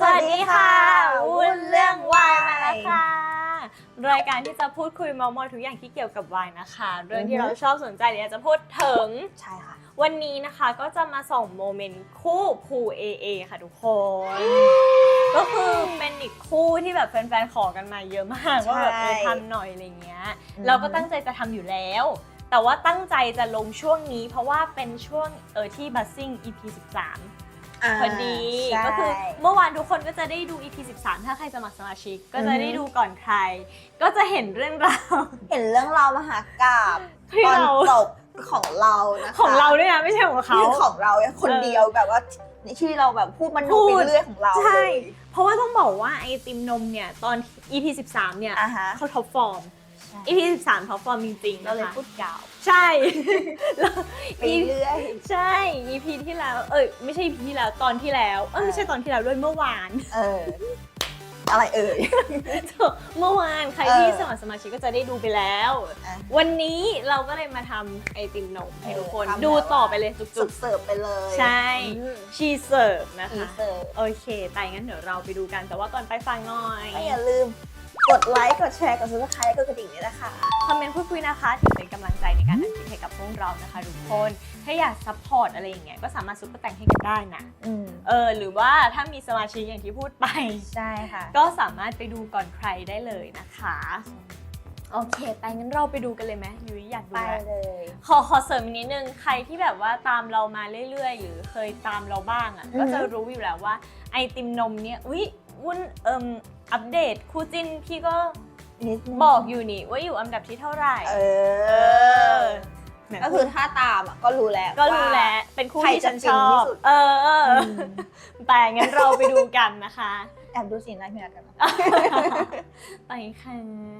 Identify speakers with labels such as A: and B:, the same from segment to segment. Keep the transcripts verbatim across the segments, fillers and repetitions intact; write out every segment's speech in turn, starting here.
A: สวัสดีค่ะวุ่นเรื่องวายมาแล้วค่ะรายการที่จะพูดคุยเมาท์มอยทุกอย่างที่เกี่ยวกับวายนะคะเรื่องที่เราชอบสนใจเดี๋ยวจะพูดถึง
B: ใช่ค่ะ
A: วันนี้นะคะก็จะมาส่งโมเมนต์คู่ภูเอเอค่ะทุกคนก็คือเป็นอีกคู่ที่แบบแฟนๆขอกันมาเยอะมากว่าแบบเออทำหน่อยอะไรเงี้ยเราก็ตั้งใจจะทำอยู่แล้วแต่ว่าตั้งใจจะลงช่วงนี้เพราะว่าเป็นช่วงเออที่บัสซิ่ง อี พี สิบสามพอดีก็คือเมื่อวานทุกคนก็จะได้ดู อี พี สิบสามถ้าใครสมัครสมาชิกก็จะได้ดูก่อนใครก็จะเห็นเรื่องราว
B: เห็นเรื่องราวมหากาพย์ตอนจบของเรานะคะ
A: ของเราด้วยนะไม่ใช่ของเขา
B: ของเราคนเดียวแบบว่าที่เราแบบพูดมันดูไปเรื่อยของเรา
A: ใช่เพราะว่าต้องบอกว่าไอติมนมเนี่ยตอน อี พี สิบสามเนี่ยเขาท็อปฟอร์มอี พี สิบสามท็อปฟอร์มจริงๆ
B: เราเลยพูดกล่าว
A: ใช่
B: ไปเรื่อย
A: ใช่ อี พี ที่แล้วเอ้ยไม่ใช่ อี พี ที่แล้วตอนที่แล้วเออไม่ใช่ตอนที่แล้วด้วยเมื่อวาน
B: เอออะไรเอ่ย
A: เมื่อวานใครที่สมัครสมาชิกก็จะได้ดูไปแล้ววันนี้เราก็เลยมาทำไอติมนมให้ทุกคนดูต่อไปเลยจุก
B: ๆเสิร์ฟไปเลย
A: ใช่ชีเสิร์ฟนะคะโอเคแต่งั้นเดี๋ยวเราไปดูกันแต่ว่าก่อนไปฟังหน่อย
B: อย่าลืมกดไลค์กดแชร์กดซับสไครต์กดกระดิ่งด้วยนะคะ
A: คอมเมนต์พูดคุยนะคะถือเป็นกำลังใจในการทำคลิปให้กับพวกเรานะคะทุกคนถ้าอยากซัพพอร์ตอะไรอย่างเงี้ยก็สามารถซุปเปอร์แต่งให้กันได้นะเออหรือว่าถ้ามีสมาชิกอย่างที่พูดไป
B: ใช่ค่ะ
A: ก็สามารถไปดูก่อนใครได้เลยนะคะโอเคไปงั้นเราไปดูกันเลยไหมยุ้ยอยากดู
B: ไปเลย
A: ขอขอเสริมนิดนึงใครที่แบบว่าตามเรามาเรื่อยๆหรือเคยตามเราบ้างอ่ะก็จะรู้อยู่แล้วว่าไอติมนมเนี้ยอุ๊ยวุ่นเอิมอัปเดตคู่จิ้นพี่ก็บอกอยู่นี่ว่าอยู่อันดับที่เท่าไหร่
B: เออก็คือถ้าตามก็รู้แล้ว
A: ก็รู้แล้วเป็นคู่ที่ฉันชอบเออแต่งั้นเราไปดูกันนะคะ
B: แอบดูสีหน้าพี่นัทกัน
A: ไปค่ะ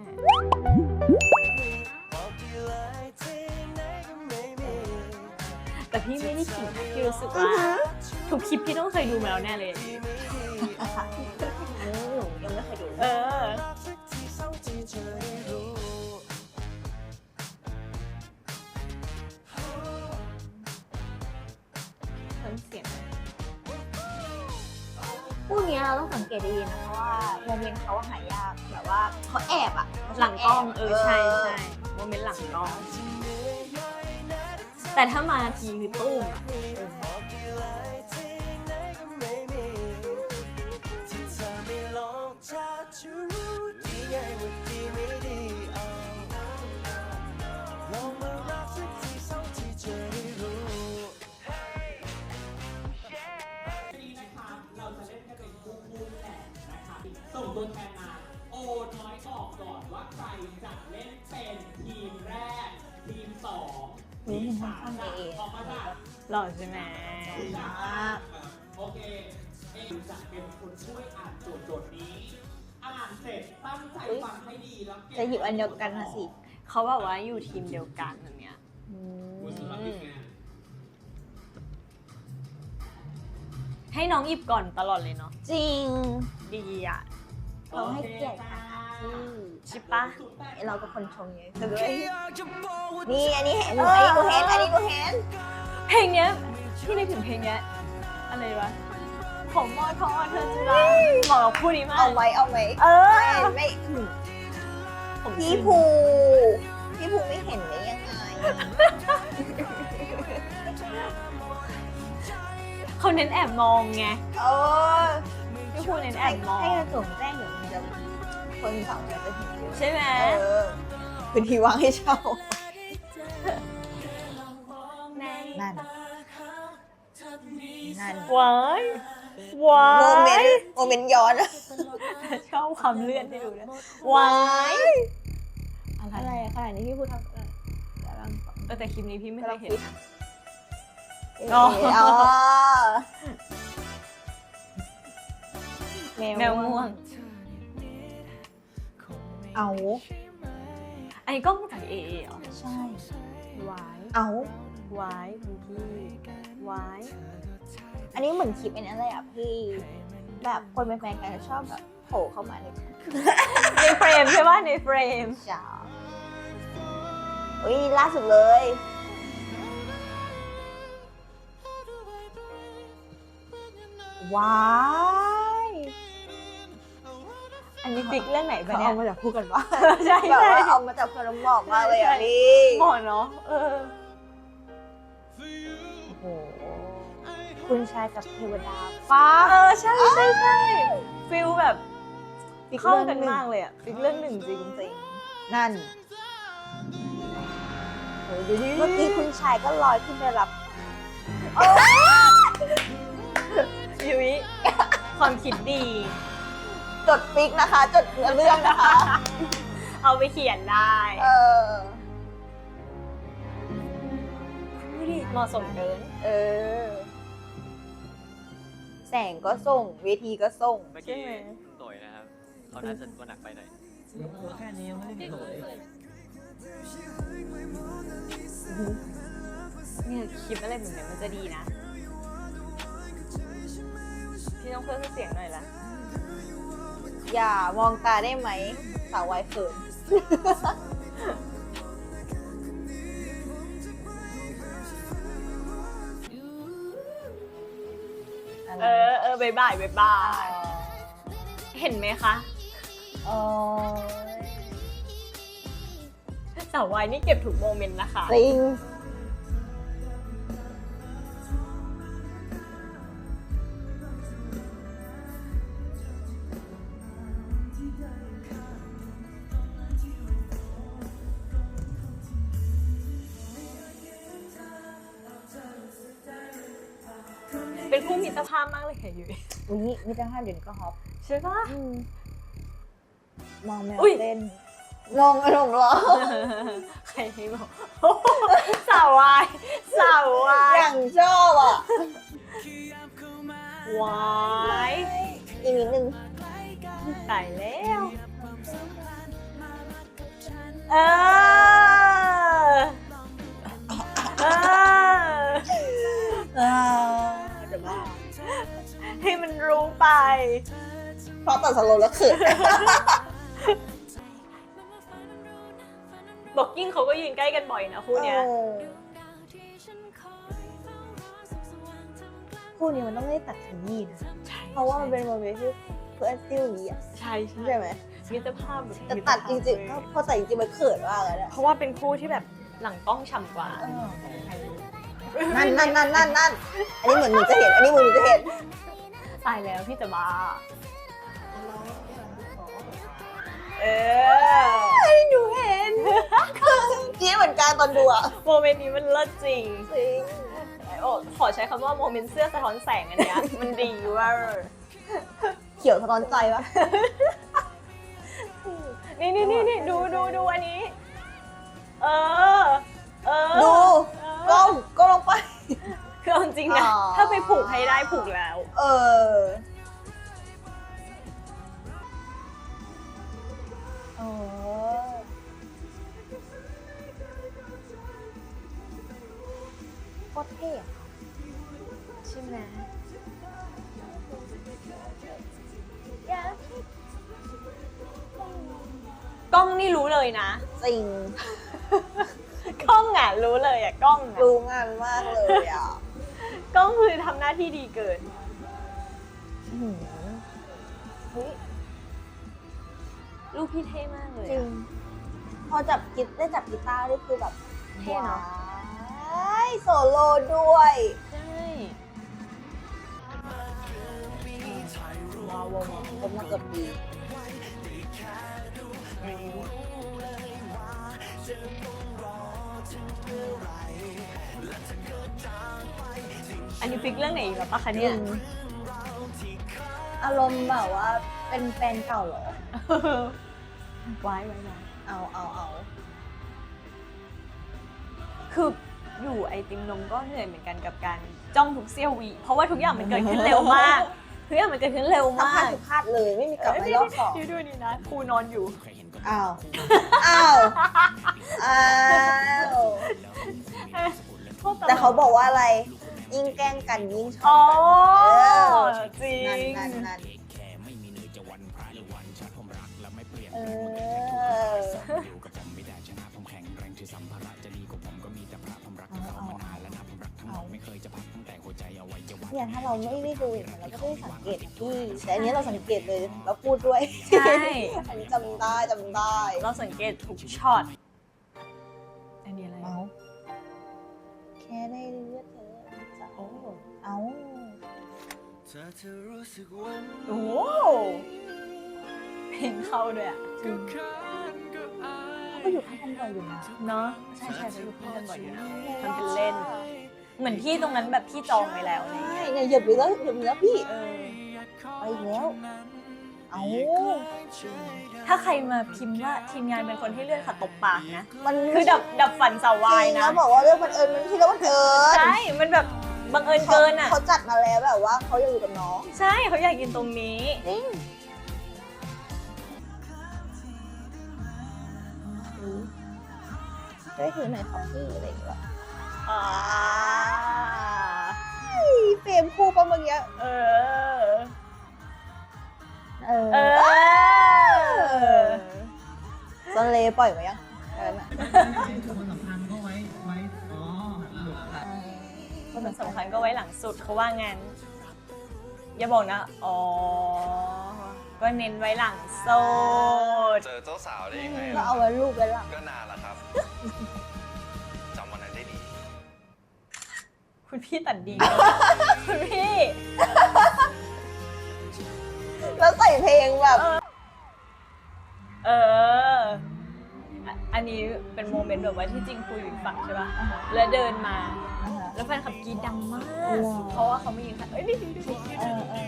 A: แต่พี่ไม่ได้ขิงนะพี่รู้สึกว่าทุกคลิปพี่ต้องเคยดูมาแล้วแน่เลย
B: ยังไม่เคยดู
A: เออเสียง
B: พวกนี้เราต้องสังเกตดีนะเพราะว่าโมเมนต์เขาหายากแบบว่าเขาแอบอะ
A: หลังกล้องเออใช่ใช่โมเมนต์หลังกล้องแต่ถ้ามาทีคือตุ้ม
C: ส่งตัวแทนมาโอน้อยบอกก่อนว่าใครจะเล่นเป็นทีมแรกทีมสองทีมสามออกมาจ้ะ
A: หล่อใช่ไหม
C: โอเคเอ็มจะเป็นคนช่วยอ่านโจทย์โจทย์นี้อ่านเสร็จตั้งใจฟังให้ดีแล้ว
B: จะหยิบอันเดียวกันนะสิ
A: เขาแบบว่าอยู่ทีมเดียวกันแบบเนี้ยให้น้องหยิบก่อนตลอดเลยเนาะ
B: จริง
A: ดีอ่ะ
B: เราให้เกียรติค่ะ
A: ใช่ปะ
B: เราเป็นคนชงเยอะนี่อันนี้เห็นอันนี้กูเห็นอันนี้กูเห็น
A: เพลงเนี้ยที่นึกถึงเพลงเนี้ยอะไรวะผมมอทอเธอจุฬาเหมาะกับคู่นี้มาก
B: เอาไว้เอาไว้
A: เออ
B: ไม่พี่ภูพี่ภูไม่เห็นได้ยังไง
A: เขาเน้นแอบมองไง
B: เออ
A: พี่ภูเน้นแอบมอง
B: ให้กระจกแจ้งเดี๋ยวมันจะคนสองคนจะเห็นอยู่
A: ใช่ไหม
B: พื้นที่ว่างให้เช่านั่นนั่น
A: ว้ายวาย
B: โมเมนต์โมเมนต์ย้อน
A: ชอบความเลื่อนที่ดูนะวาย
B: อะไรขนาดนี้พี่พูดทำ
A: เออแต่คลิปนี้พี่ไม่เคยเห็น
B: อ๋อ
A: แมวม่วง
B: เอา
A: อันนี้กล้องถ่ายเอเอเหรอ
B: ใช่
A: วาย
B: เอา
A: วายคุณพี่วาย
B: อันนี้เหมือนคลิปอันนั้นเลยอ่ะพี่แบบคนเป็นแฟนกันชอบแบบโผล่เข้ามาใน
A: ในเฟรมใช่ป่ะในเฟรม
B: จ้าอุ้ยล่าสุดเลยว้าย
A: อันนี้ฟิกเรื่องไหนปะ
B: เขา
A: เนี่ย
B: เอามาจากพูดกันว่า
A: ใช่
B: แบบ
A: ใช่
B: ว่าเอามาจากพลหมอกมากเลยอ่ะพี่
A: หมอเนาะเออ
B: โอ้โหคุณชายกับเทวดาฟ้า
A: เออใช่ใช่ใช่ฟิลแบบ
B: ฟิก
A: เข้า
B: เรื่อง
A: กัน
B: หนึ่ง
A: มากเลยอะฟิกเรื่องหนึ่งจริงจริง
B: นั่น
A: โอ้ยดูดิ
B: เมื่อกี้คุณชายก็ลอยขึ้นไปรับ
A: ยุ้ยความคิดดี
B: จดฟิกนะคะ จดเนื้อเรื่องนะคะ
A: เอาไปเขียนได้
B: เออ
A: ดูดิเหมาะสมเกิน
B: เออ แสงก็ส่ง เวทีก็ส่ง
D: เมื่อกี้คุณโตยนะครับเขาน่าจะตัวหนักไปหน่อย
C: แค่นี้ยังไม่ได้โหย
A: เนี่ยคลิปอะไรแบบเนี้ยมันจะดีนะ พี่ต้องเพิ่มเสียงหน่อยละ
B: อย่ามองตาได้ไหม สาววายเขิน
A: เออเออบายบายบายบาย เห็นไหมคะ
B: โอ้ย
A: สาววายนี่เก็บถูกโมเมนต์นะคะ
B: จริง
A: เป็นคู่มิตรภาพมากเลยค่ะยุ้ย
B: อุ้ยมิตรภาพเดี๋ยวนี้ก็ฮอป
A: ใช่ปะ
B: อืมมองแมว
A: อุ๊ย
B: เต้นงงอารมณ์ร้อน
A: ใครให้บอก สาววายสาววา
B: อย ย่างชอบอ่ะ
A: วาย
B: อีกนิดนึง
A: ตายแล้ว เออ เออ
B: อ่าเดี๋ยวบ้า
A: ให้มันรู้ไป
B: เพราะตัดสโลว์แล้วเขิน
A: บอกกิ้งเขาก็ยืนใกล้กันบ่อยนะคู่เนี้ย
B: เออคู่นี้มันต้องไม่ได้ตัดขยี้นะเพราะว่ามันเป็นโมเมนต์ที่เพื่อนซิ่วนี้อ่ะ
A: ใช่ใช่
B: ใช่ไหม
A: มิตรภาพแบบ
B: แต่ตัดจริงๆก็พอตัดจริงๆมันเขินมากเลยนะ
A: เพราะว่าเป็นคู่ที่แบบหลังกล้องฉ่ำกว่า
B: นั่นนั่นนั่นนั่นนั่นอันนี้เหมือนหนูจะเห็น อันนี้เหมือนหนูจะเห็น
A: ตายแล้วพี่จะบ้า เออ
B: ให้หนูเห็นจี๊ดเหมือนกันตอนดูอ่ะ
A: โมเมนต์นี้มันเลิศจริง
B: จริง
A: โอ้ขอใช้คำว่าโมเมนต์เสื้อสะท้อนแสงอันเนี้ย มันดีเว่า
B: เขียวสะท้อนใจปะ
A: นี่นี่นี่นี่ดูดูดูอันนี้ เออ เออ
B: ดู
A: เออ
B: ก้มก้มลงไป
A: คือเอาจริงนะ
B: อ๋อ
A: ถ้าไปผูกให้ได้ผูกแล้ว
B: เออเออโคตรเท่อะ
A: ใช่ไหมกล้องนี่รู้เลยนะ
B: จริง
A: กล้องอ่ะรู้เลยอ่ะกล้องอ่ะ
B: รู้งานมากเลยอ่ะ
A: กล้องคือทำหน้าที่ดีเกิน
B: อื้อหือเฮ้ย
A: ลูกพี่เท่มากเลย
B: จริ
A: อะ
B: ง พอจับกีตได้จับกีตาร์นี่คือแบบ
A: เท่เนอะ
B: ว้ายโซโล่ด้วย
A: ใช่
B: ว้าวว้าวผมมาเกือบปี
A: อันนี้ฟิกเรื่องไหนอีกแล้วปะคะเนี่ย
B: อารมณ์แบบว่าเป็นแฟนเก่าเหรอ
A: ไว้ไว้ไว้
B: เอาเอาเอา
A: คืออยู่ไอติมนมก็เหนื่อยเหมือนกันกับการจ้องทุกเสี้ยววิเพราะว่าทุกอย่างมันเกิดขึ้นเร็วมาก ทุกอย่างมันเกิดขึ้นเร็ว
B: ทั้ง
A: มา
B: พลาด
A: ก
B: ทุกพลาดเลยไม่มีกลับมารอบสอง
A: ดูดูนี่นะครูนอนอยู่
B: อ้าวอ้าวอ้าว แต่เขาบอกว่าอะไร ยิ่งแกล้งกันยิ่งช
A: อ๋
B: อ
A: อบ
B: กัน
A: จริง
B: นั่นนั่นนั่นเออเอาเอาเอาเนี่ยถ้าเราไม่ได้ดูอย่างนี้ยเราก็ไม่ได้สังเกตนะพี่แต่อันนี้เราสังเกตเลยเราพูดด้วย
A: ใช่
B: อันนี้จำได้จำได้
A: เราสังเกตทุกช็อต อันนี้อะไร
B: เอาแค่ได้เลือดเธอจะเอาเอา
A: โอ้โหเพลงเข้าด้วยอ่ะ
B: ก็อยู่ข้างกันบ่อยอยู่นะ
A: เนาะใช่ใช่เขาอยู่คู่กันบ่อยอยู่นะมันเป็นเล่น เหมือนที่ตรงนั้นแบบพี่จองไว้แล้วอะไร
B: ใช่
A: เงี้ย
B: เนี่ยเหยียบไปแล้วเหยียบไปแล้วพี่
A: เออ
B: ไปอีกแล้วเอา
A: ถ้าใครมาพิมพ์ว่าทีมงานเป็นคนให้เลื่อนขัดตบปากนะ
B: มัน
A: คือดับดับฝันสาววายนะ
B: แล้วบอกว่าเรื่องบังเอิญมันที่เรื่องบังเอิญ
A: ใช่ มันแบบบังเอิญเกินอ่ะ
B: เขาจัดมาแล้วแบบว่าเขาอยากอยู่กับน้อง
A: ใช่เขาอยากกินตรงนี้
B: จริงได้ถือหน่อยครับพี่อะไรอย่างเงี้ย
A: อ่า
B: เฟรมคู่ปะเมื่อกี้
A: เออ
B: เออ
A: เออ
B: ซอนเลปล่อยมายังเออน่ะ
C: คนสำคัญก็ไว้ไว้อ๋อหลุดละ
A: คนสำคัญก็ไว้หลังสุดเขาว่างั้น อย่าบอกนะ อ๋อ ก็เน้นไว้หลังโซด
E: เจอเจ้าสาวได้ยังไง
B: ก็
E: ล่ะ
B: เอาไว้รูปไว้หลัง
E: ก็นานแล้วครับ จำวันนั้นได้ดี
A: คุณพี่ตัดดีนะ คุณพี่
B: แล้วใส่เพลงแบบ
A: เอออ่ะอันนี้เป็นโมเมนต์แบบว่าที่จริงคุยอยู่อีกฝั่งใช่ป่ะ แล้วเดินมา แล้วแฟนขับกรีดดังมาก เพราะว่าเขาไม่ยิงค่ะเอ้ยนี่ดูดู
B: เออเออ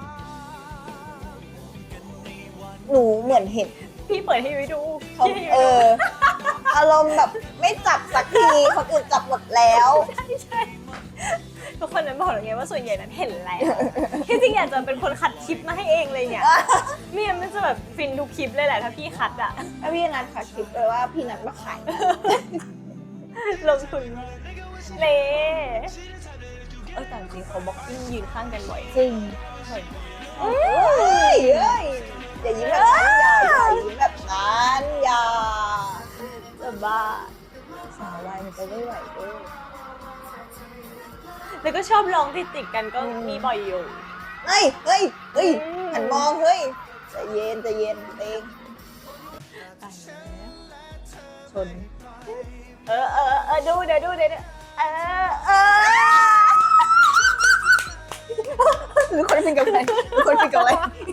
B: หนูเหมือนเห็น
A: พี่เปิดให้ยุ้ยดู
B: เขา
A: พี่ให้
B: เอ
A: ยุ้ยดู
B: อ อารมณ์แบบไม่จับสักทีคนอื่นจับหมดแล้ว
A: ใช่ใช่ทุกคนนั้นบอกอย่างเงี้ยว่าส่วนใหญ่นั้นเห็นแล้วที่จริงอยากจะเป็นคนคัดคลิปมาให้เองเลยเนี่ยไม่งั้นมันจะแบบฟินทุกคลิปเลยแหละถ้าพี่คัดอะ
B: ถ้าพี่นัทค่ะคลิปเลยว่าพี่นัทมาขาย
A: ลงทุนเล่เออแต่จริงเขาบล็อกกิ้งยืนข้างกันบ่อย
B: จริง
A: บ่อย
B: เอ้ยเอ้ยอย่ายิ้มแบบนั้นอย่าอย่ายิ้มแบบนั้นอย่า
A: จะบ้า
B: สาววายมันจะไม่ไหวด้วย
A: แล้วก็ชอบร้องติดติดๆกันก็มีบ่อยอยู่
B: เฮ้ยเฮ้ยเฮ้ย
A: อืม
B: หันมองเฮ้ยใจเย็นใจเย็นเอง
A: ตายแล้ว
B: ชน
A: เออเออเออดูเดี๋ยวดูเดี๋ยวดูเออเออ
B: หรือคนเป็นกับอะไรหรือคนเป็นกับอะไร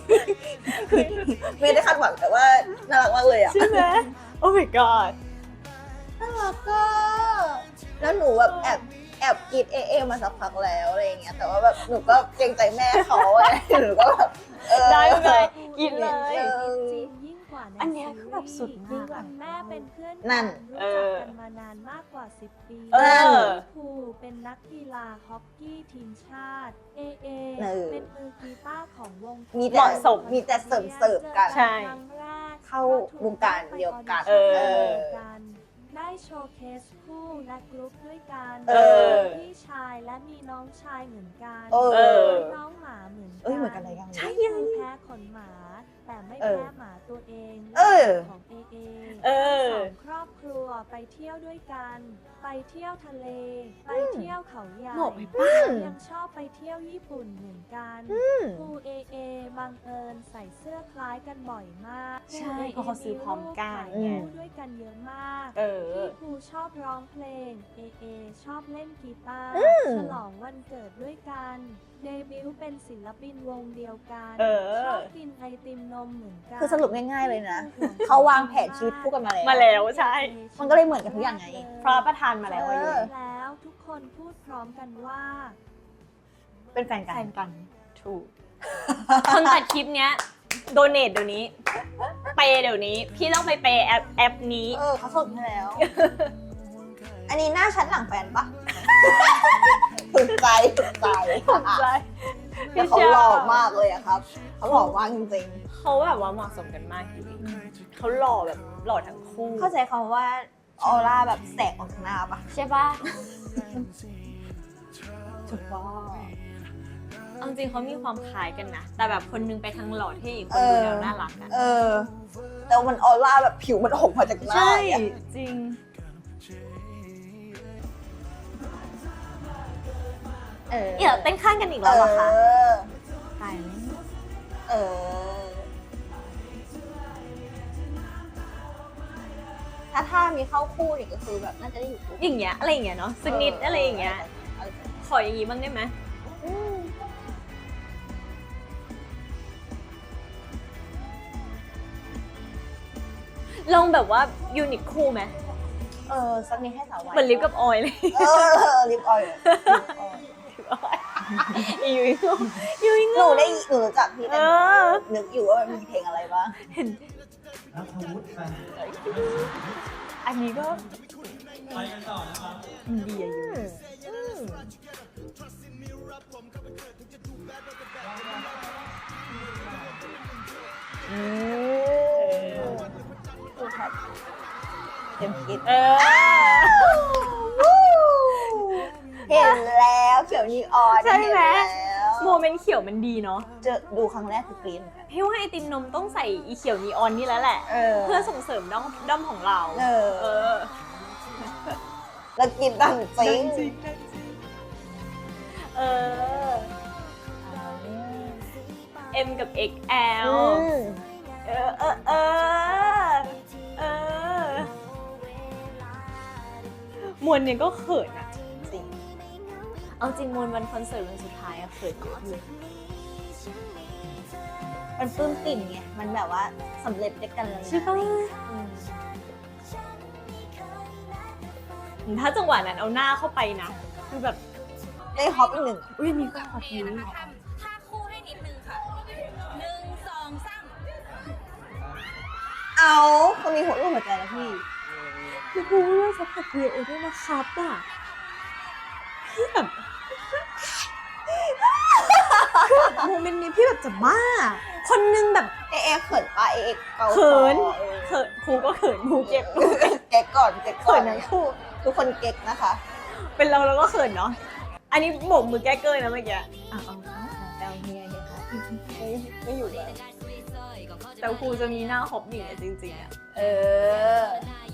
B: ไม่ได้คาดหวังแต่ว่าน่ารักมากเลยอ่ะ
A: ใช่ไหมโอ้ my god
B: น่ารักก็แล้วหนูแบบแอบแอบกรีดเอเอมาสักพักแล้วอะไรอย่างเงี้ยแต่ว่าแบบหนูก็เกรงใจแม่เขาอะไรหนูก็แบบเออ
A: ได้เลยกินเลย
B: ออ
F: จริงยิ่งกว่า
A: อันเนี้ยคือแบบสุดมากอะ
F: แม่เป็นเพื่อนกั
B: นั่น
F: รู้จักกันมานานมากกว่าสิบปี
A: เออ
F: ครูเป็นนักกีฬาฮอกกี้ทีมชาติ เอเอ
B: เออ
F: เป็นมือกีตาร์ของวง
B: มี
A: เห
B: แต่
A: มาะสม
B: มีแต่เสริมเสริมกัน
A: ใช่
F: ครั้งแรก
B: เข้าวงการเดียวกัน
A: เออ
F: กันได้โชว์เคสคู่และกรุ๊ปด้วยกัน
A: เออ
F: พี่ชายและมีน้องชายเหมือนกัน
B: เออ
A: เออ
F: น้องหมาเหมือนกัน
B: เอ้ยเหมือนกันเลยยัง
F: ใช่ยังแพ้ขนหมา แต่ไม่
B: เออ
F: แพ้หมาตัวเอง
B: เออ
F: ของเอเอ
A: เออ
F: สองครอบครัวไปเที่ยวด้วยกัน ไปเที่ยวทะเล ไปเที่ยวเขาใหญ่
A: เหมาะไปปะ
F: ยังชอบไปเที่ยวญี่ปุ่นเหมือนกันครูเอเอบังเอิญใส่เสื้อคล้ายกันบ่อยมาก
A: ใช่เพราะเขาซื้อพร้อมกัน
F: ครู
A: ไง
F: เอเอมีรูปถ่ายคู่ด้วยกันเยอะมาก
A: เออ
F: พี่ครูชอบร้องเพลง เอเอชอบเล่นกีตาร์
B: ม
F: ฉลองวันเกิดด้วยกัน เดบิวต์เป็นศิลปินวงเดียวกัน
A: เออ
F: ชอบกินไอติมนมเหมือนกัน
B: คือสรุปง่ายๆเลยนะ เขาวางแผนชีวิตคู่กันมาแล้ว
A: มาแล้วใช่
B: มันก็เลยเหมือนกันทุกอย่างไง
A: พระประทานมาแล้วอายุ
B: เออ
F: แล้วทุกคนพูดพร้อมกันว่า
B: เป็นแฟนกั
A: แฟ
B: น
A: นกัน ถูก คนตัดคลิปเนี้ยโดเนทเดี๋ยวนี้ เปย์เดี๋ยวนี้ พี่ต้องไปเปย์แอปแอปนี้
B: เออเขาส่งให้แล้ว อันนี้หน้าชั้นหลังแฟนปะ ถูกใจถูกใจ
A: ถูกใจ
B: แต่เขาหล่อมากเลยอะครับ เขาหล่อมากจริง
A: เขาแบบว่าเหมาะสมกันมากจริงๆเขาหล่อแบบหล่อทั้งคู่
B: ๆเข้าใจคำว่าออร่าแบบแสงออกจากหน้าปะ
A: ใช่ปะ
B: ถูกต้อง
A: เอาจริงเขามีความคล้ายกันนะ แต่แบบคนนึงไปทางหล่อเท่อีกคนดูแล้วน่ารักอะ
B: เออ แต่มันออร่าแบบผิวมันออกมาจากหน้า
A: ใช่
B: อะ
A: จริง
B: เออ
A: เดี๋ยวเต้นข้างกันอีกแล้วเหรอคะ
B: เออ
A: ตายแล้ว
B: เออ ถ้าถ้ามีเข้าคู่อีกก็คือแบบน่าจะได้อยู่คู่
A: อย่างเงี้ยอะไรอย่างเงี้ยเนาะสักนิดอะไรอย่างเงี้ยขออย่างงี้บ้างได้ไหม
B: อืม
A: ลองแบบว่ายูนิคคู่ไหม
B: เออสักนิดให้สาววาย
A: เหมือนลิปกับออยเลย
B: เออลิปออยล์ลิปออยล์
A: ยูนิคยูนิค
B: หนูได้หนูรู้จักพี่แต่หนู
A: เออ
B: นึกอยู่ว่ามันมีเพลงอะไรบ้าง
A: เห็น
C: นัทวุฒิมา
A: อันนี้ก็
C: ไปกันต่อนะครับ
A: ดีอะยู
B: อืมอืมดูครับเต็มคิด
A: เออ
B: เห็นแล้วเขียวนีออน
A: ใช่ไหม
B: เนแล้ว
A: โมเมนต์เขียวมันดีเนาะ
B: เจอดูครั้งแรกคือกรี๊ดเหมือนกัน
A: พี่ว่าไอติมนมต้องใส่อีเขียวนีออนนี่แล้วแหละ
B: เออ
A: เพื่อส่งเสริมด้อมด้อมของเรา
B: เออ
A: เออ
B: แล้วกินดังจริง
A: เออ M กับ เอ็กซ์ แอล
B: อืม
A: เออเออเออเออมวลเนี่ยก็เขินอะ
B: จริง
A: เอาจริงมวลวันคอนเสิร์ตวันสุดท้ายอะเขินเยอะอยู่
B: มันปลื้มปิ่มไง มันแบบว่าสำเร็จด้วยกันแล้วนะ
A: ใช่ปะ
B: อืม
A: ถ้าจังหวะนั้นเอาหน้าเข้าไปนะคือแบบ
B: ได้ฮอปอีกหนึ่ง
A: อุ้ยมีก็ขอทีนี้
G: ท่าคู่ให้นิดนึงค่ะหนึ่งสองสาม
B: เอาคนมีหัวรูปหัวใจแล้วพี่
A: คือพูดว่าซัพพอร์ต พี เอ ด้วยนะครับอะพี่แบบโมเมนต์นี้พี่แบบจะบ้า คนนึงแบบ
B: เอเอเขินปะเอเอเกา
A: เขิน
B: คอออ
A: เขินครูก็เขินครูเก็บ
B: เก๊กก่อนเก๊กก่อน
A: เขินทั้งคู่
B: ทุกคนเก๊กนะคะ
A: เป็นเราเราก็เขินเนาะ อันนี้โบกมือแก้เกยนะเมื่อกี้
B: อ่ะเอาเอาแต่เอาเฮียเนี่ยค่ะไม่ไม่อยู่แล้ว
A: แต่ครูจะมีหน้าฮอปหนีจริงๆอะ
B: เออ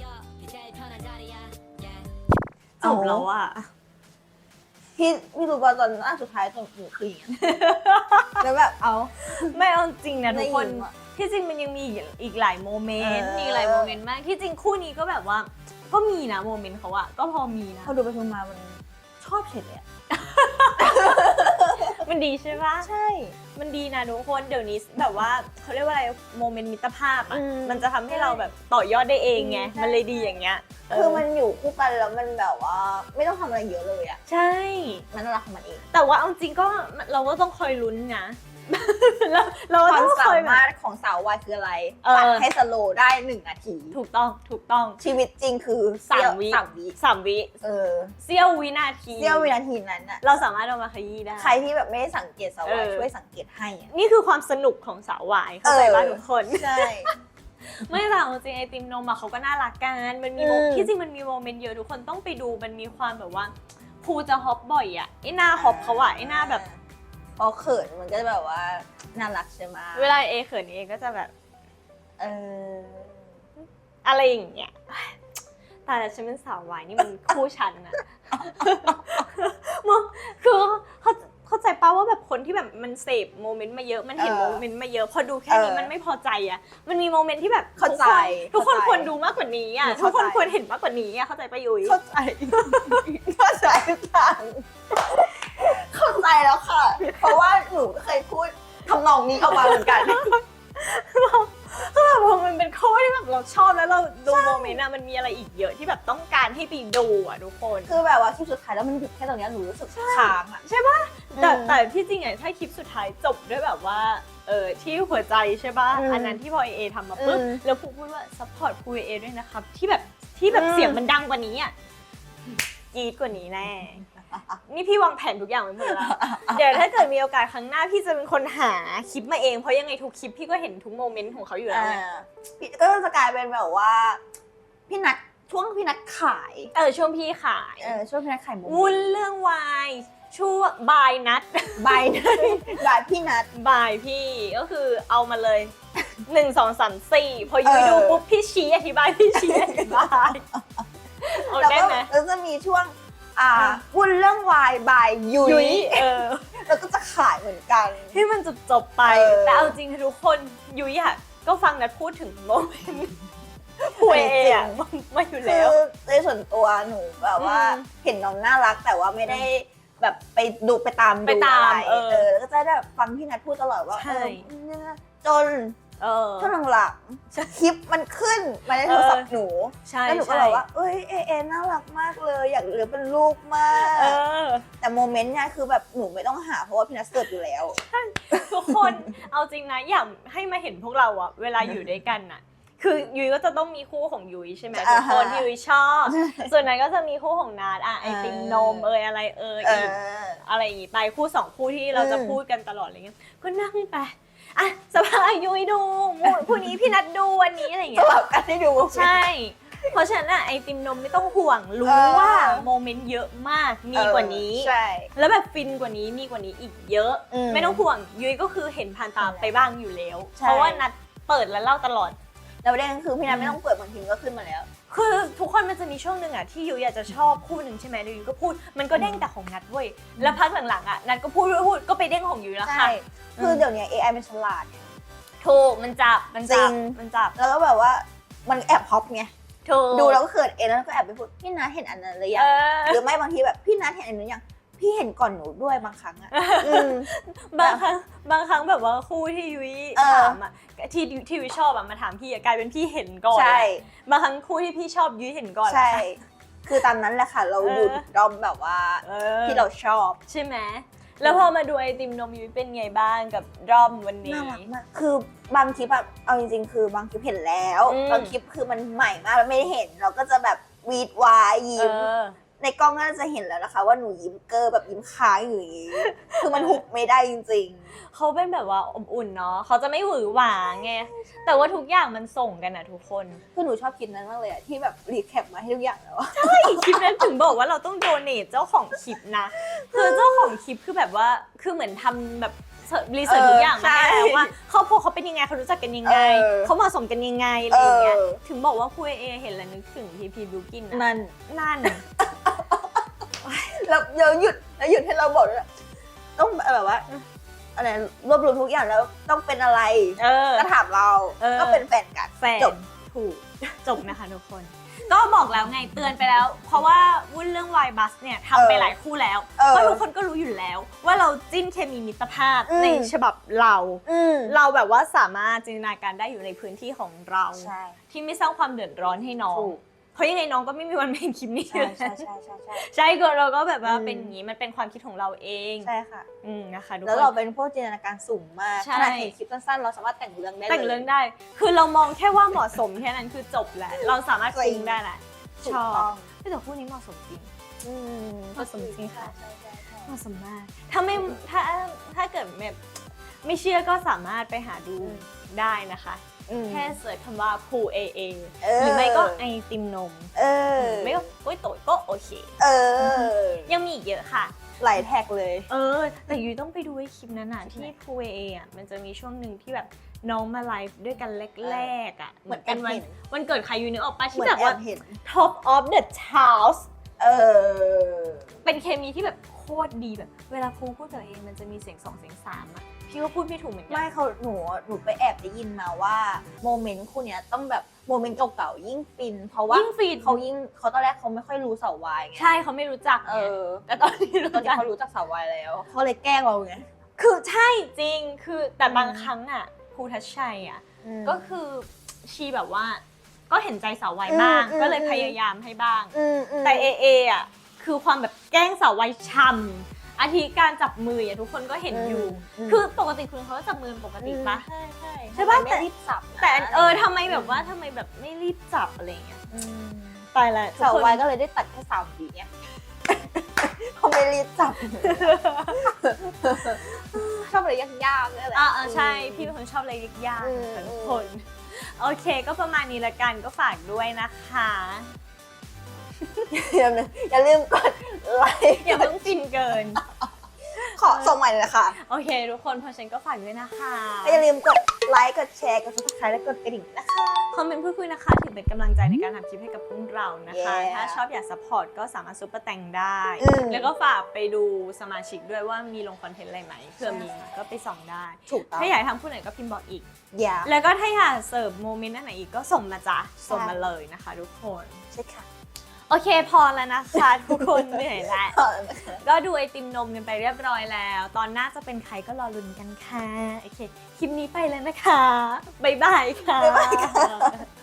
A: จบแล้วอะ
B: พี่พี่รู้ป่ะตอนหน้าสุดท้ายตอนหนูคืออย่างเงี้ยแล้วแบบเอา
A: ไม่เอาจริงนะทุกคน
B: ได้ยินว่ะ
A: ที่จริงมันยังมีอีกอีกหลายโมเมนต์
B: เออ
A: มีหลายโมเมนต์มาก ที่จริงคู่นี้ก็แบบว่า ก็มีนะโมเมนต์เขาอะก็พอมีนะ
B: พอดูไปดูมามันชอบเฉยเลยอะ
A: มันดีใช่ปะ
B: ใช่
A: มันดีนะทุกคนเดี๋ยวนี้แบบว่าเขาเรียกว่าอะไรโมเมนต์มิตรภาพอ่ะ
B: อืม
A: มันจะทำให้เราแบบต่อยอดได้เองไง
B: ใช่
A: มันเลยดีอย่างเงี้ย
B: คือมันอยู่คู่กันแล้วมันแบบว่า ไม่ต้องทำอะไรเยอะเลยอะ
A: ใช่
B: มันน่ารักของมันเอง
A: แต่ว่าเอาจริงก็เราก็ต้องคอยลุ้นนะ เราเรา
B: ค
A: ก็
B: วาม
A: ต้อง
B: สา
A: คอยแบ
B: มาร
A: บ
B: ถของสาววายคืออะไร
A: เออ
B: ตัดให้สโลว์ได้หนึ่งนาที
A: ถูกต้องถูกต้อง
B: ชีวิตจริงคือ
A: สามวิ
B: สามวิ
A: สามวิ
B: เออ
A: เสี้ยววินาที
B: เสี้ยววินาทีนั้นอะ
A: เราสามารถเอามาขยี้ได้
B: ใครที่แบบไม่ได้สังเกตสาววาย
A: เออ
B: ช่วยสังเกตให้อะ
A: นี่คือความสนุกของสาววายเข้าใจป่ะ
B: เออ
A: ทุกคน
B: ใช่
A: ไม่แต่เอาจริงไอติมนมอะเขาก็น่ารักกัน มันมีโม
B: อืม
A: ที่จริงมันมีโมเมนต์เยอะทุกคนต้องไปดูมันมีความแบบว่าครูจะฮอปบ่อยอะไอหน้าฮอปเขาอะไอหน้าแบบ
B: พอเขินมันก็จะแบบว่าน่ารักใช่ไหม
A: เวลาเอเขินเอก็จะแบบ
B: เออ
A: อะไรอย่างเงี้ยแต่แล้วฉันเป็นสาววายนี่มันคู่ฉันอะ มองคือเขาเข้าใจป่าว่าแบบคนที่แบบมันเสพโมเมนต์มาเยอะมันเห็น
B: เออ
A: โมเมนต์มาเยอะพอดูแค่นี้
B: เออ
A: มันไม่พอใจอะมันมีโมเมนต์ที่แบบ
B: เข้าใจ
A: ทุกคนทุกคน
B: เข้าใจ
A: ควรดูมากกว่านี้อะ
B: หนู
A: ทุก
B: เข้า
A: คน
B: ใจ
A: ควรเห็นมากกว่านี้อะเข้าใจป่ะยุ้ย
B: เข้าใจ เข้าใจต่างเข้าใจแล้วค่ะ เพราะว่าหนูก็เคยพูดทำนองนี้ออกมาเหมือนกัน
A: คือแบบพอมันเป็นคู่ที่แบบเราชอบแล้วเราดูโมเมนต์อะมันมีอะไรอีกเยอะที่แบบต้องการให้ไปดูอะทุกคน
B: คือแบบว่าคลิปสุดท้ายแล้วมันหยุดแค่ตรงเนี้ยหนูรู้สึกค้างอ่ะ
A: ใช่ป่ะแต่
B: อืม
A: แต่ที่จริงอะถ้าคลิปสุดท้ายจบด้วยแบบว่าเออที่หัวใจใช่ป่ะ
B: อืม
A: อันนั้นที่พอเอทำมาปุ๊บ
B: อืม
A: แล้วพูพูดว่าซัพพอร์ตพูเอด้วยนะครับที่แบบที่แบบ
B: อืม
A: เสียงมันดังกว่านี้อะกรี๊ดกว่านี้แน่ นี่พี่วางแผนทุกอย่างไว้หมดแล้ว เดี๋ยวถ้าเกิดมีโอกาสครั้งหน้าพี่จะเป็นคนหาคลิปมาเองเพราะยังไงทุกคลิปพี่ก็เห็นทุกโมเมนต์ของเขาอยู่แล้ว
B: อ่า
A: ไง
B: พี่ก็จะกลายเป็นแบบว่า พี่นัทช่วงพี่นัทขาย
A: เออช่วงพี่ขาย
B: เออช่วงพี่นัทขายหมู
A: วุ่นเรื่องวายช่วงบายนัด
B: บายนัทบายพี่นัท
A: บายพี่ก็คือเอามาเลยหนึ่งสองสามสี่พอยุ้ย
B: เออ
A: ดูปุ๊บพี่ชี้อธิบายพี่ชี้อธิบายเอา
B: แล้ว
A: ได้
B: ก็
A: ไหม
B: แล้วจะมีช่วง อ่า
A: อ่ะ
B: วุ่นเรื่องวายบายยุ้
A: ยุ้
B: ย
A: ยเออ
B: แล้วก็จะขายเหมือนกัน
A: ให้มันจบจบๆไป
B: เออ
A: แต่เอาจริงค่ะทุกคนยุ้ยอะก็ฟังนัดพูดถึงโมเมนต์คุยเองอะมามาอยู่
B: คื
A: แล้
B: อ
A: ว
B: ในส่วนตัวหนูแบบว่า
A: อืม
B: เห็นน้องน่ารักแต่ว่าไม่ได้แบบไปดูไปตาม
A: ไป
B: ดู
A: ตาม
B: อะไร
A: เออ
B: เออแล้วก็จะได้แบบฟังพี่นัทพูดตลอดว่า
A: ใช่
B: เออเนี่ยจน
A: เออ
B: ช่วงหลังๆคลิปมันขึ้นมาในโทรศัพท์หนู
A: ใช่
B: แล้วหนูก็
A: ใช่
B: บอกว่าเอ้ยเอเอน่ารักมากเลยอยากเลี้ยงเป็นลูกมาก
A: เออ
B: แต่โมเมนต์เนี่ยคือแบบหนูไม่ต้องหาเพราะว่าพี่นัทเสิร์ฟอยู่แล้ว
A: ทุกคนเอาจริงนะอยากให้มาเห็นพวกเราอะเวลาอยู่ด้วยกันอะคือยุ้ยก็จะต้องมีคู่ของยุ้ยใช่ไหมทุ
B: อ่าก ฮะ
A: คนที่ยุ้ยชอบ ส่วนนั้นก็จะมีคู่ของนัดอะไอติมนมเอยอะไรเอย
B: เอ
A: อีก
B: อ
A: อะไรอย่างงี้ไปคู่สองคู่ที่เราจะ
B: อืม
A: พูดกันตลอดอะไรเงี้ยก็นั่งไปอ่ะสภาพยุ้ยดูมูคู่นี้พี่นัดดูวันนี้อะไรอย่าง
B: ส
A: เงี้ย
B: ลับกันให้ดู
A: ใช่ เพราะฉะนั้นอะไอติมนมไม่ต้องห่วงรู้
B: เออ
A: ว่าโมเมนต์เยอะมากมีกว่านี้
B: ใช่
A: แล้วแบบฟินกว่านี้มีกว่านี้อีกเยอะ
B: อืม
A: ไม่ต้องห่วงยุ้ยก็คือเห็นผ่านตาไปบ้างอยู่แล้ว
B: ใช่
A: เพราะว่านัดเปิดแล้วเล่าตลอด
B: แล้วประเด็นคือพี่นัทไม่ต้องเปิดบางทีก็ขึ้นมาแล้ว
A: คือทุกคนมันจะมีช่วงหนึ่งอะที่ยุ้ยอยากจะชอบคู่หนึ่งใช่ไหมแล้วยุ้ยก็พูดมันก็เด้งแต่ของนัดเว้ยแล้วพักหลังๆอะนัดก็พูดพูดพูดก็ไปเด้งของยุ้ยแล้วค่ะ
B: คือเดี๋ยวนี้ เอ ไอ มันฉลาดไง
A: ถูกมันจับมันจับ
B: จริง
A: มันจับ
B: แล้วก็แบบว่ามันแอบฮอปไง
A: ถูก
B: ดูแล้วก็เขินเองแล้วก็แอบไปพูดพี่นัทเห็นอันนั้นหรือยั
A: เอง อ
B: หรือไม่บางทีแบบพี่นัทเห็นอันนั้นยังพี่เห็นก่อนหนูด้วยบางครั้งอะอืม
A: บางครั้งบางครั้งแบบว่าคู่ที่ยุ้ย
B: เออ
A: ถามอะที่ที่ยุ้ยชอบอะมาถามพี่อะกลายเป็นพี่เห็นก่อน
B: ใช่
A: บางครั้งคู่ที่พี่ชอบยุ้ยเห็นก่อน
B: ใช่ คือตามนั้นแหละค่ะ เรา
A: เออ
B: ดูดอมแบบว่า
A: เออ
B: ที่เราชอบ
A: ใช่ไหมแล้วพอมาดูไอติมนมยุ้ยเป็นไงบ้างกับด้อมวันนี้
B: น่ารักมาก คือบางคลิปแบบเอาจริงๆ คือบางคลิปเห็นแล้ว
A: อืม
B: บางคลิปคือมันใหม่มากแล้วไม่ได้เห็น เราก็จะแบบวีดวาย
A: เอ
B: ยิ้ม
A: อ
B: ในกล้องก็จะเห็นแล้วนะคะ ว่าหนูยิ้มเกอร์แบบยิ้มค้างอยู่อย่างนี้ คือมันหุบไม่ได้จริง
A: เขาเป็นแบบว่าอบอุ่นเนาะเขาจะไม่หวือหวาไงแต่ว่าทุกอย่างมันส่งกันอะทุกคน
B: ๆ คือหนูชอบคลิปนั้นมากเลยอะที่แบบรีแคปมาให้ทุกอย่างแล้วอะ
A: ใช่คลิปนั้นถึงบอกว่าเราต้องโดเนทเจ้าของคลิปนะ คือเจ้าของคลิปคือแบบว่าคือเหมือนทำแบบรีเสิร์ชทุกอย่างมาให้แล้วว่าครอบครัวเขาเป็นยังไงเขารู้จักกันยังไง
B: เออ
A: เขาเหมาะสมกันยังไงอะไรอย่างเงี้ย
B: เออ
A: ถึงบอกว่าคุยเอเห็นแล้วนึกถึงพีพีบิวกินนะ
B: นั่น
A: นั่น
B: แล้วเดี๋ยวหยุดแล้วหยุดให้เราบอกด้วยต้องแบบว่าอะไรรวบรวมทุกอย่างแล้วต้องเป็นอะไร
A: เออ
B: ก็ถามเรา
A: เออ
B: ก็เป็นแฟนกัน
A: แฟน
B: จบ
A: ถูกจบนะคะทุกคน ก็บอกแล้วไงเตือนไปแล้ว เพราะว่าวุ่นเรื่องวายบัสเนี่ยทำไป
B: เออ
A: หลายคู่แล้ว
B: เออ
A: ก็ทุกคนก็รู้อยู่แล้ว ว่าเราจิ้นเคมีมิตรภาพ
B: อืม
A: ในฉบับเรา
B: อืม
A: เราแบบว่าสามารถจินตนาการได้อยู่ในพื้นที่ของเรา
B: ใช่
A: ที่ไม่สร้างความเดือดร้อนให้น้อง
B: ถูก
A: เพราะยังไงน้องก็ไม่มีวันเป็นคลิปนี้
B: ใช่ใช่ใช่ใช่ใช่
A: ใช่ก็เราก็แบบว่า
B: อืม
A: เป็นอย่างนี้มันเป็นความคิดของเราเอง
B: ใช่ค่ะ
A: อืมนะคะทุก
B: แล้ว
A: ค
B: เรา
A: น
B: เป็นพวกจินตนาการสูงมาก
A: ใช่
B: ขนาดเห็นคลิปสั้นๆ เราสามารถแต่งเรื่องได้ลย
A: แต่งเรื่องได้ คือเรามองแค่ว่าเหมาะสมแค่นั้นคือจบแล้วเราสามารถปรุงได้แหละ
B: ถู
A: ช
B: ก
A: อบ
B: ต้อง
A: แต่คู่นี้เหมาะสมจริง
B: อืม
A: เหมาะสมจริงค่ะ
B: ใช่ใช่ใช่
A: เหมาะสมมาก ถ้าไม่ถ้าถ้าเกิดแบบไม่เชื่อก็สามารถไปหาดูได้นะคะ
B: อืม
A: แค่เสิร์ชคำว่า Pool เอ เอ
B: เออ
A: หรือไม่ก็ไอติมนม
B: เออ
A: ไม่ก็ก๋วยโตี๋ก็โอเค
B: เออ
A: ยังมีอีกเยอะค่ะ
B: หลายแท็กเลย
A: เออ แต่ยุ้ยต้องไปดูไอ้คลิปนั้นอ่ะที่ Pool เอ เอ อ่ะมันจะมีช่วงหนึ่งที่แบบน้องมาไลฟ์ด้วยกันแรกๆอ่ะ
B: เหมือน
A: เป็นวัน
B: แอบเห็น
A: วันเกิดใครยุ้ยนึกออกปะ
B: เห
A: ที่
B: มือน
A: แบบ
B: แอ
A: ว่า
B: บเห็น
A: Top of the House
B: เออ
A: เป็นเคมีที่แบบโคตรดีแบบ เวลาครูพูดกับเองมันจะมีเสียงสองเสียงสามอ่ะพี่ก็พูดไม่ถูกเหมือนกั
B: ไม่เขาหนูหนูไปแอบได้ยินมาว่าโมเมนต์คู่เนี้ยต้องแบบโมเมนต์เก่าๆยิ่งฟิน เพราะว่า
A: ยิ่งฟีด
B: เขายิ่งเขาตอนแรกเขาไม่ค่อยรู้เสาวายไง
A: ใช่เขาไม่รู้จัก
B: เอ
A: ไง
B: อ
A: แต่ตอนนี้รู้
B: ตอนนี้
A: จัก
B: เขารู้จักเสาวายแล้วเขาเลยแกล้งเราไง
A: คือใช่จริงคือแต่บางครั้งอ่ะครูทัชชัยอ่ะ ก็คือชีแบบว่าก็เห็นใจสาววัยบ้าง
B: อืมอืม
A: ก็เลย
B: อืม
A: พยายามให้บ้าง
B: อืมอืม
A: แต่เอเออ่ะคือความแบบแกล้งสาววัยช่ำอาทิการจับมืออ่ะทุกคนก็เห็นอยู่ คือปกติคุณเขาก็จับมือปกติปะ
B: ใช่ใช่
A: ใช่ปะ
B: ไม่รีบสับนะ
A: แต่เออทำไมแบบว่าทำไมแบบไม่รีบจับอะไรอย่างเงี้ย
B: อืม
A: ตายละทุก
B: สาว
A: คน
B: วายก็เลยได้ตัดแค่สามวิไง เขาไม่รีบจับ ชอบอะไรยากๆนี่แหละ
A: อ่าใช่พี่เป็นคนชอบอะไรยาก
B: อืม
A: ๆค่ะทุกคน โอเคก็ประมาณนี้ละกันก็ฝากด้วยนะคะ
B: อย่าลืมอย่าลืมกดไลค์
A: อย่าเพิ่งฟินเกิน
B: ขอส่งใหม่เลยค่ะ
A: โอเค ทุกคนเพราะฉันก็ฝากด้วยนะคะ
B: ก็อย่าลืมกดไลค์กดแชร์กด ซับสไครบ์ และกดกระดิ่งนะคะ
A: คอมเมนต์พูดคุยนะคะถือเป็นกำลังใจในการทำคลิปให้กับพวกเรานะคะ
B: Yeah
A: ถ้าชอบอยากซัพพอร์ตก็สามารถซุปเปอร์แตงได้
B: อืม
A: แล้วก็ฝากไปดูสมาชิกด้วยว่ามีลงคอนเทนต์อะไรไหมเผื่อมีก็ไปส่องได้
B: ถูกต้อง
A: ถ้าอยากทำผู้ไหนก็พิมพ์บอกอีก
B: อย่า
A: แล้วก็ถ้าอยากเสิร์ฟโมเมนต์ไหนอีกก็ส่งมาจ้ะส่งมาเลยนะคะทุกคน
B: ใช่ค่ะ
A: โอเคพอแล้วนะคะ ทุกคนเหนื่อยแล้ว
B: ขอบคุณนะคะ
A: ก็ดูไอติมนมกันไปเรียบร้อยแล้ว ตอนหน้าจะเป็นใครก็รอลุ้นกันค่ะ โอเค คลิปนี้ไปแล้วนะคะ บ๊ายบายค่ะ
B: บ๊ายบายค่ะ